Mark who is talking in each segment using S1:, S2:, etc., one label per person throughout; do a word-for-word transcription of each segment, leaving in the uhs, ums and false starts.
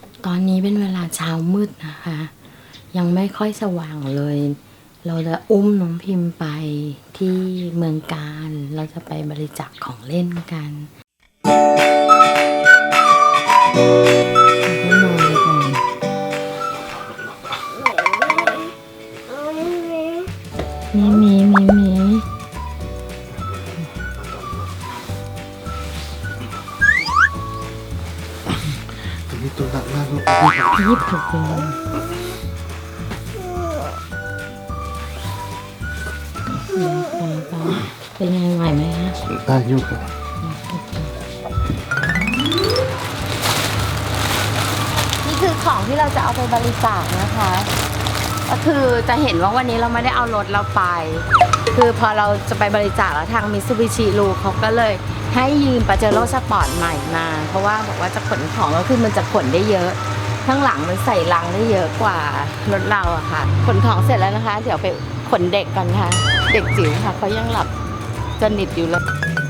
S1: ตอนนี้เป็นเวลาเช้ามืดนะคะ ยังไม่ค่อยสว่างเลย เราจะอุ้มน้องพิมพ์ไปที่เมืองการเราจะไปบริจาคของเล่นกันให้นอนเลยก่อนมีมีมีมี
S2: ตัวนี้ตัวหนักมากลูก
S1: ยิบถูกเลยเป็นไงไหวไหมคะ
S2: ได้อยู่ครับ
S1: นี่คือของที่เราจะเอาไปบริจาคนะคะ ก็คือจะเห็นว่าวันนี้เราไม่ได้เอารถเราไป คือพอเราจะไปบริจาคแล้วทางมิตซูบิชิลูเขาก็เลยให้ยืมปาเจโร่สปอร์ตใหม่มา เพราะว่าบอกว่าจะขนของก็คือมันจะขนได้เยอะ ข้างหลังมันใส่ลังได้เยอะกว่ารถเราอะค่ะ ขนของเสร็จแล้วนะคะ เดี๋ยวไปขนเด็กกันค่ะ เด็กจิ๋วค่ะเขายังหลับสนิทอยู่เลย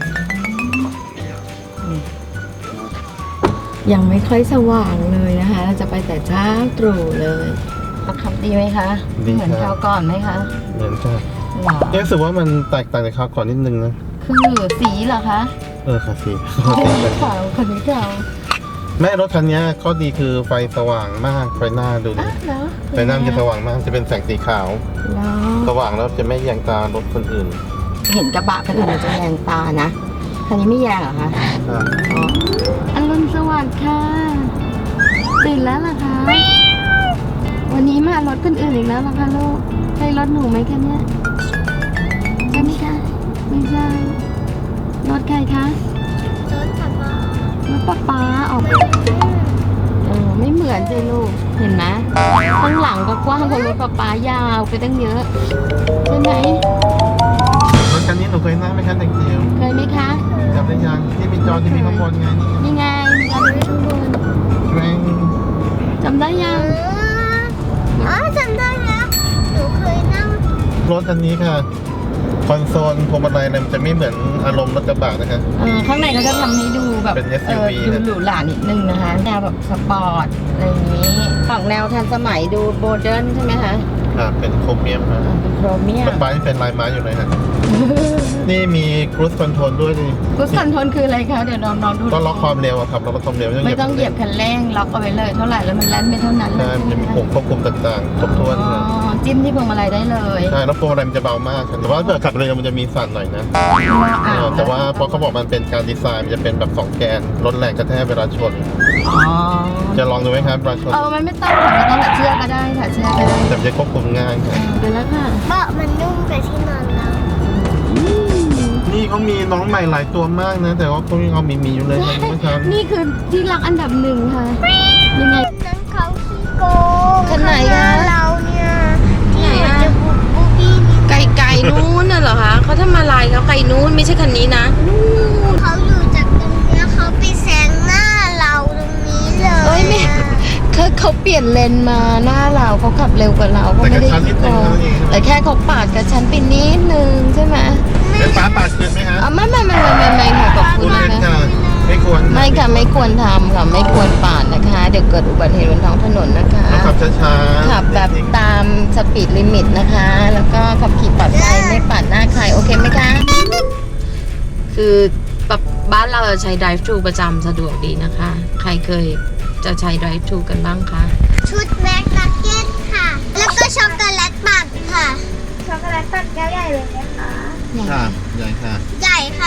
S1: ยังไม่ค่อยสว่างเลยนะคะ เราจะไปแต่เช้าตรู่เลยขับดีไหมคะ เหมือนคราวก่อนไหมคะ
S2: เหมือนกัน
S1: หรอ
S2: รู้สึกว่ามันแตกต่างจากคราวก่อนนิดนึงนะ
S1: คือสีเหรอคะ
S2: เออค่ะสิ
S1: ขาวคนนี้ขาว
S2: แม่รถคันนี้ข้อดีคือไฟสว่างมากไฟหน้าดูดิ
S1: อ่ะเหรอ
S2: ไฟหน้ามันจะสว่างมากจะเป็นแสงสีขาว
S1: เหรอ
S2: สว่างแล้วจะไม่แยงตารถคนอื่น
S1: เห็นกระบะคันอื่นจะแยงตานะคันนี้ไม่แยงเหรอคะ
S2: ครับ
S1: อ๋ออรุณสวัสดิ์ค่ะตื่นแล้วเหรอคะ วันนี้มารถคนอื่นอีกแล้วเหรอคะลูกใช่รถหนูไหมคะเนี่ยใช่ไหมคะไม่ใช่รถใครคะรถป๊าป๊ารถป๊าป๊าออกเออไม่เหมือนสิลูกเห็นไหมข้างหลังก็กว้างกว่ารถป๊าป๊ายาวไปตั้งเยอะใช่ไหม
S2: รถคันนี้หนูเคยนั่งไหมคะเด็กจิ๋ว
S1: เคยไหมคะ
S2: จำได้ยังที่มีจอที่มีข้างบนไงนี่
S1: นี่ไงมีการดูข้างบน
S2: แม่ง
S1: จำได้ยัง
S3: อ๋อจำได้แล้วหนูเคยนั่ง
S2: รถคันนี้ค่ะคอนโซลพวงมาลัยอะไรมันจะไม่เหมือนอารมณ์รถกระบะนะคะ
S1: เออข้างในเขาจะทำให้ดูแบบ
S2: เป็น เอส
S1: เอ
S2: ยู
S1: อ
S2: วี
S1: ดู
S2: นะ
S1: หรูหรานิดนึงนะคะแนวแบบสปอร์ตอะไรอย่างนี้ฝั่งแนวทันสมัยดูโมเดิร์นใช่ไหมคะ
S2: ค่ะเป็นโครเมียมค่ะ
S1: เออเป็นโครเมีย
S2: ร
S1: ม
S2: ถไฟเป็นลายไม้อยู่เลยค่ะ นี่มีครูซคอนโทรลด้วยดิ
S1: กุสคอนโทรลคืออะไรคะเดี๋ยวน้องน้องๆดู
S2: ก็ล็อกความเร็วอะครับล็อกความเร็ว
S1: ไม่ต้องเหยียบคันเร่งล็อกเอาไว้เลยเท่าไหร่แล้วมันแล่นไปเท่านั้นเล
S2: ใช่
S1: ย
S2: มันจะมีปุ่มควบคุมต่างๆครบถ้วน
S1: อ๋อ
S2: ค่ะ
S1: จิ้มที่พวงมาลัยได้เลย
S2: ใช่แล้วพวงมาลัยมันจะเบามากค่ะแต่ว่าถ้าเกิดขับเร็วมันจะมีสั่นหน่อยนะ
S1: อ่า
S2: เออแต่ว่าเพราะเขาบอกมันเป็นการดีไซน์มันจะเป็นแบบสองแกนลดแรงกระแทกเวลาชน
S1: อ๋อ
S2: จะลองดูไหมครับเวลาชน
S1: เออมันไม่ต้องค่ะไม่ต้องแบบเชือกก็ได้ค่ะเชือกก็ได้
S2: แต่มันจะควบคุมง่ายค่ะ
S1: เดี๋ยวแล้วค่ะ
S3: เบาะมันนุ่มกว่าที่นอนเรา
S2: นี่เขามีน้องใหม่หลายตัวมากนะ แต่ว่าเขายังเอามีมีอยู่เลยนะเมื่อเช้า
S1: นี่คือที่รักอันดับหนึ่งค่ะ ยังไง
S3: นั้นเขาขี้โกง
S1: คันไหนอะ
S3: เราเนี่ยที่
S1: ไหน
S3: เหมือน
S1: อะ
S3: จะบุกบูบี้นี่
S1: ไก่ไก่นู้นน่ะเหรอคะเขาทำอะไรเขาไก่นู้นไม่ใช่คันนี้นะนู้น
S3: เขาอยู่จากตรงเนี้ยเขาไปแซงหน้าเราตรงนี้เลย
S1: เอ้ยไม่เขาเขาเปลี่ยนเลนมาหน้าเราเขาขับเร็วกว่าเราเขา
S2: แต่
S1: ไม่
S2: กระ
S1: ได้
S2: ชั้นนิดนึงเท่านั้นเอง
S1: แต่แค่เขาปาดกับฉันไปนิดนึงใช่ไหม
S2: เป็นฟ้าปาดเกินไหมฮะ
S1: อ๋อไม่ไม่ไม่ไม่ไม่ไม่ค่ะขอบคุ
S2: คุณ ณเล่น
S1: นะ
S2: ค่ะไม่ควร
S1: ไม่ค่ะไม่ควรทำค่ะไม่ควรปาดนะคะ เดี๋ยวเกิดอุบัติเหตุบนท้องถนนนะคะ
S2: ต้องขับช้าๆ
S1: ขับแบบตามสปีดลิมิตนะคะ แล้วก็ขับขี่ปลอดภัยไม่ปาดหน้าใครโอเคไหมคะ คือบ้านเราจะใช้ drive thru ประจำสะดวกดีนะคะ ใครเคยจะใช้ drive thru กันบ้างคะ
S3: ชุดแม็กนักเก็ตค่ะ แล้วก็ช็อกโกแลตปั่นค่ะ ช็อกโกแลตปั่นแก้วใหญ่เลยนะคะ
S2: ค่ะใหญ่ค่ะ
S3: ใหญ่ค่ะ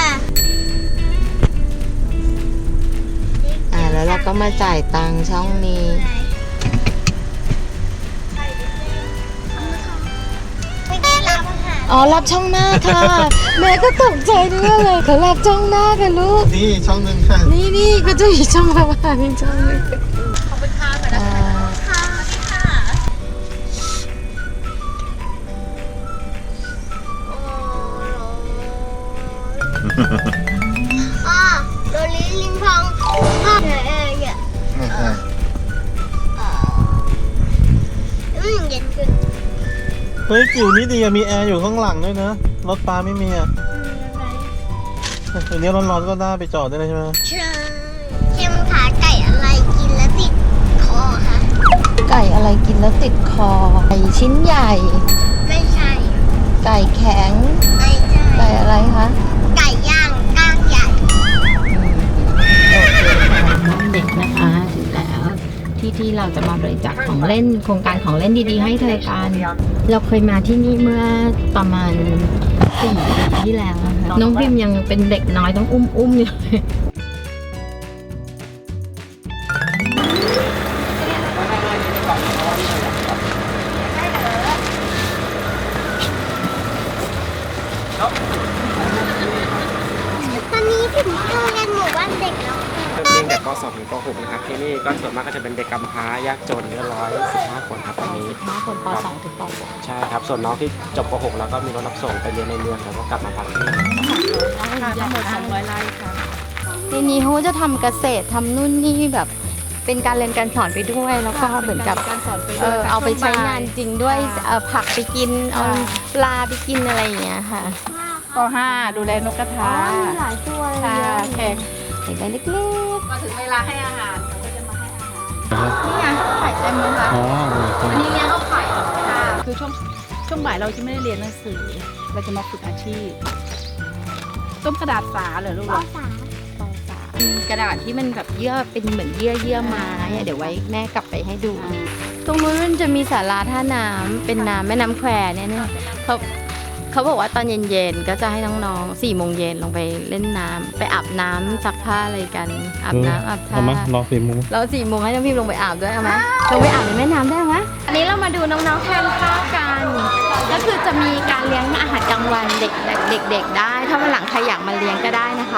S1: อ่าแล้วเราก็มาจ่ายตังค์ช่องนี้
S3: ไม่ได้รับค่ะ
S1: อ๋อรับช่องหน้าค่ะ แม่ก็ตกใจด้วยเลยเขารับช่องหน้ากันลูก
S2: นี่ช่องหนึงค่ะ
S1: นี่นี่ก็จะมีช่องระหว่างช่องนึงขอบคุณค่ะ
S3: ค่ะอ๋อโดลิลิงพองพ่อเออเออเยอะอืมเย็นขึ้น
S2: เฮ้ยจิ๋วนี่ดีอะมีแอร์อยู่ข้างหลังด้วยนะ รถปลาไม่มีอะ
S3: อืมอะไร
S2: ตัวนี้ร้อนๆก็ได้ไปจอดได้เลยใช่ไหม
S3: ใช่เค็มขาไก่อะไรกินแล้วติดคอ
S1: ชิ้นใหญ่
S3: ไม่ใช่
S1: ไก่แข็ง
S3: ไม่ใช่
S1: ไก่อะไรคะ
S3: ไก่ย่างก้างใหญ่
S1: เด็กนะคะถึงแล้วที่ที่เราจะมาบริจาคของเล่นโครงการของเล่นดีๆให้เธอกันเราเคยมาที่นี่เมื่อประมาณสี่ปีที่แล้วนะคะน้องพิมยังเป็นเด็กน้อยต้องอุ้มอุ้มอยู่เลย
S3: ตอนนี้ถึงโรงเรียนหมู่บ้านเด็กแล้ว
S4: เรียนจากป .สอง ถึงป .หก นะครับที่นี่ก็ส่วนมากก็จะเป็นเด็กกำพร้ายากจนเนื้อร้อยสิบห้าคนครับตอนนี้
S1: น้องคนป .สอง ถึงป .หก
S4: ใช่ครับส่วนน้องที่จบป .หก แล้วก็มีรถรับส่งไปเรียนในเมืองแล้วก็กลับมาพักที่นี่
S1: ทั้งหมดสองร้อยไร่ค่ะทีนี้เขาจะทำเกษตรทำนู่นนี่แบบเป็นการเรียนการสอนไปด้วยแล้วก็เหมือนกับ
S5: การสอนไป
S1: เอ
S5: ด้วย
S1: อเอาไปใช้งานจริงด้วย
S5: ค่ะ
S1: เอาผักไปกินเอา
S5: ค่ะ
S1: ปลาไปกินอะไรอย่างเงี้ยค่ะ
S5: ป .ห้า ดูแลนกกระทา
S1: หลายตัวเลย
S5: ค่ะแขก
S1: เด็กเล็ก
S5: พอถึงเวลาให้อาหารเขาก็จะมาให้อาหาร
S1: ๆนี่ไงไข่เต็มเลยค่ะ
S2: อ๋อ
S1: อันนี้เลี้ยงเอาไข่ค่ะ
S5: คือช่วงช่วงบ่ายเราจะไม่ได้เรียนหนังสือ เราจะมาฝึกอาชีพ ต้มกระดาษฝาเหรอลูก
S3: ป
S5: เหรอ
S3: สาม
S1: กระดาษที่มันแบบเยื่อเป็นเหมือนเยื่อเยื่อไม้อะเดี๋ยวไว้แม่กลับไปให้ดู ตรงนู้นมันจะมีศาลาท่าน้ำเป็นน้ำแม่น้ำแควเนี่ยเนี่ยเขาเขาบอกว่าตอนเย็นๆก็จะให้น้องๆสี่โมงเย็นลงไปเล่นน้ำไปอาบน้ำซักผ้าอะไรกันอาบน้ำอาบท่า
S2: เอามารอสี่โมง
S1: เราสี่โมงให้น้องพิมลงไปอาบด้วยเอาไหมลงไปอาบในแม่น้ำได้ไหมอันนี้เรามาดูน้องๆทานข้าวกันก็คือจะมีการเลี้ยงอาหารกลางวันเด็กๆเด็กๆได้ ถ้าวันหลังใครอยากมาเลี้ยงก็ได้นะคะ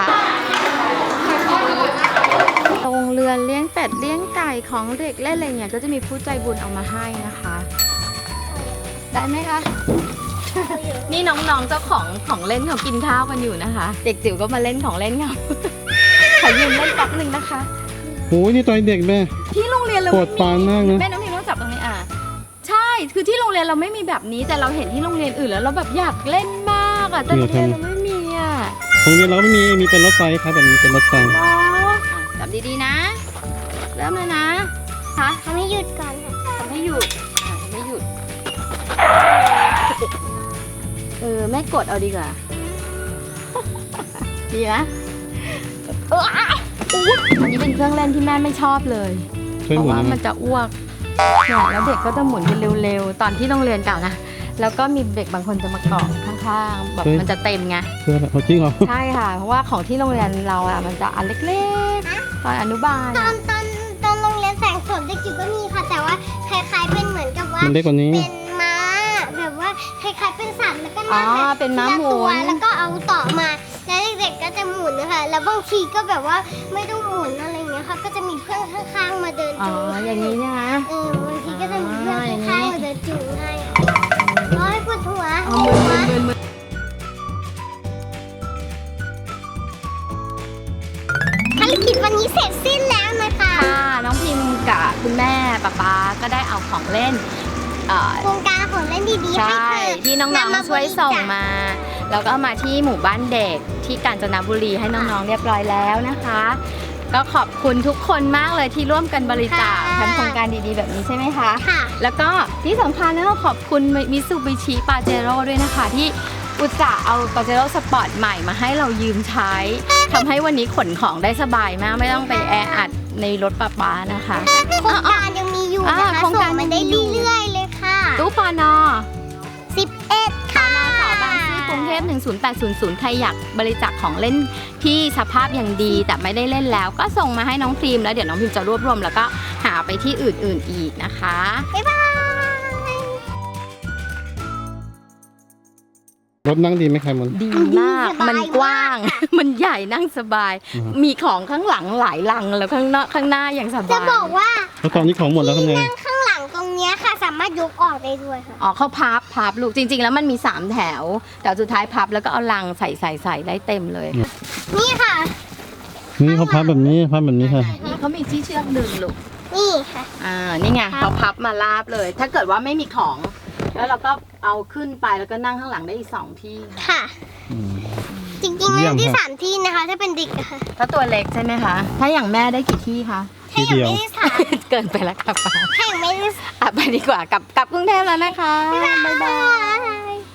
S1: โรงเรือนเลี้ยงเป็ดเลี้ยงไก่ของเด็กเล่นอะไรเงี้ยก็จะมีผู้ใจบุญเอามาให้นะคะ ได้ไหมคะ นี่น้องๆเจ้าของของเล่นเขากินข้าวกันอยู่นะคะ เด็กจิ๋วก็มาเล่นของเล่นเขาขอยืมเล่นแป๊บหนึ่งนะคะ
S2: โอ้ยนี่ตอนเด็กแม่
S1: ที่โรงเรียนเรา
S2: ปวดปานมากนะ
S1: แม่น้องพิมต้องจับตรงนี้อ่ะใช่คือที่โรงเรียนเราไม่มีแบบนี้แต่เราเห็นที่โรงเรียนอื่นแล้วเราแบบอยากเล่นมากอ่ะแต่โรงเรียนเราไม่มีอ่ะ
S2: โรงเรียนเราก็ไม่มี มีเป็นรถไฟครับแบบนี้เป็นรถไฟ
S1: อ๋อจับดีๆนะ เริ่มเลยนะ คะ
S3: ทำให้หยุดก่อนค่ะ
S1: ทำให้หยุดอ่ะทำให้หยุดเออแม่กดเอาดีกว่า ดีนะเอออันนี้เป็นเครื่องเล่นที่แม่ไม่ชอบเลย
S2: ช่วย
S1: เพ
S2: หมุ
S1: ราะ
S2: น
S1: ว่า
S2: นะ
S1: มันจะอ้วกเนี่ยแล้วเด็กก็จะหมุนกันเร็วๆ ตอนที่โรงเรียนเก่านะ แล้วก็มีเด็กบางคนจะมาเกาะข้างๆ แบบมันจะเต็มไง
S2: เพื่อเอาจริงเหรอ
S1: ใช่ค่ะ เพราะว่าของที่โรงเรียนเราอะมันจะอันเล็กๆ ตอนอนุบาล
S3: ตอ
S1: อะ
S3: นตอนตอนโรงเรียนแสงสวนเด็กจิ๋วก็มีค่ะ แต่ว่าคล้ายๆเป็นเหมือนกับว่า
S2: มันเล็กกว่านี้
S3: เป็นม้าแบบว่าคล้ายๆเป็นสัตว์แล้วก็
S1: อ๋อ
S3: นั่งแบบ
S1: เป็นม้าหมุ
S3: ทีละตัวน แล้วก็เอาต่อมาแล้วเด็กๆก็จะหมุนนะคะแล้วบางทีก็แบบว่าไม่ต้องหมุนอะไรอย่างเงี้ยค่ะก็จะมีเพื่อนข้างๆมาเดิน
S1: อ๋อ
S3: จูง
S1: อย่างนี้เนี่ยนะ
S3: เออบางทีก็จะมีเพื่อนข้างๆมาเดินจูงให้ร้อยปวดหัว
S1: เอามือมือมือมือ
S3: ภารกิจวันนี้เสร็จสิ้นแล้วนะคะ
S1: ค่ะ น้องพิมกับคุณแม่ป๊าป๊าก็ได้เอาของเล่นเอ่อ
S3: โครงการของเล่นดีๆให้
S1: ใช่
S3: เธอ
S1: ที่น้องๆช่วยส่งมา แล้วก็เอามาที่หมู่บ้านเด็กที่กาญจนบุรีให้น้องๆเรียบร้อยแล้วนะคะ ก็ขอบคุณทุกคนมากเลยที่ร่วมกันบริจาคทำโครงการดีๆแบบนี้ใช่ไหมคะ
S3: ค่ะ
S1: แล้วก็ที่สำคัญนะขอบคุณมิซูบิชิปาเจโร่ด้วยนะคะ ที่อุตส่าห์เอาปาเจโร่สปอร์ตใหม่มาให้เรายืมใช้ทำให้วันนี้ขนของได้สบายมากไม่ต้องไปแออัดในรถป๊าป๊านะคะ
S3: โครงการยังมีอยู่นะคะ
S1: อ่าโครง
S3: ส่
S1: การ
S3: งมาได้
S1: ยังมีอยู่
S3: เรื่อยๆเลยค่ะ
S1: ตู้ปอนอ
S3: สิบเอ็ดค่ะ
S1: สอบางซื่อกรุงเทพหนึ่งศูนย์แปดศูนย์ศูนย์ใครอยากบริจาคของเล่นที่สภาพอย่างดีแต่ไม่ได้เล่นแล้ว ก็ส่งมาให้น้องพิมแล้วเดี๋ยวน้องพิมจะรวบรวมแล้วก็หาไปที่อื่นๆอีกนะคะ
S3: บ๊ายบาย
S2: รถนั่งดีไหมครับมัน
S1: ดีมากมันกว้าง มันใหญ่นั่งสบาย
S2: อืม
S1: มีของข้างหลังหลายลังแล้วข้างหน้าข้างหน้าอย่างสบาย
S3: จะบอกว่า
S2: แล้วตอนนี้ของหมดแล้วทำไง
S3: นั่งข้างหลังตรงเนี้ยค่ะ สามารถยกออกได้ด้วยค่ะ
S1: อ๋อเขาพับพับลูกจริง ๆ แล้วมันมีสามแถว แต่สุดท้ายพับแล้วก็เอาลังใส่ใส่ใส่ได้เต็มเลย
S3: นี่ค่ะ
S2: นี่เขาพับแบบนี้พับแบบนี้ค่ะ
S1: นี่เขามีที่เชือกดึงลูก
S3: นี่ค่ะ
S1: อ่า นี่ไงเขาพับมาลาบเลย ถ้าเกิดว่าไม่มีของ แล้วเราก็เอาขึ้นไปแล้วก็นั่งข้างหลังได้อีกสองที่ค่ะ
S3: ค่ะ
S2: อืม
S3: จริงๆ
S2: เยี่ย
S3: นั่
S2: ม
S3: งที่
S2: ค่ะ
S3: สามที่นะคะ ถ้าเป็นเด็กอะค่ะ
S1: ถ้าตัวเล็กใช่ไหมคะ ถ้าอย่างแม่ได้กี่ที่คะ
S3: ถ้า
S2: ทีเดียว
S3: ไม่ได้สาย
S1: เกินไปแล้วค่ะป้า
S3: แข่งไม่ได้
S1: อ่ะไปดีกว่ากลับกลับกรุงเทพแล้วนะคะ บ๊ายบาย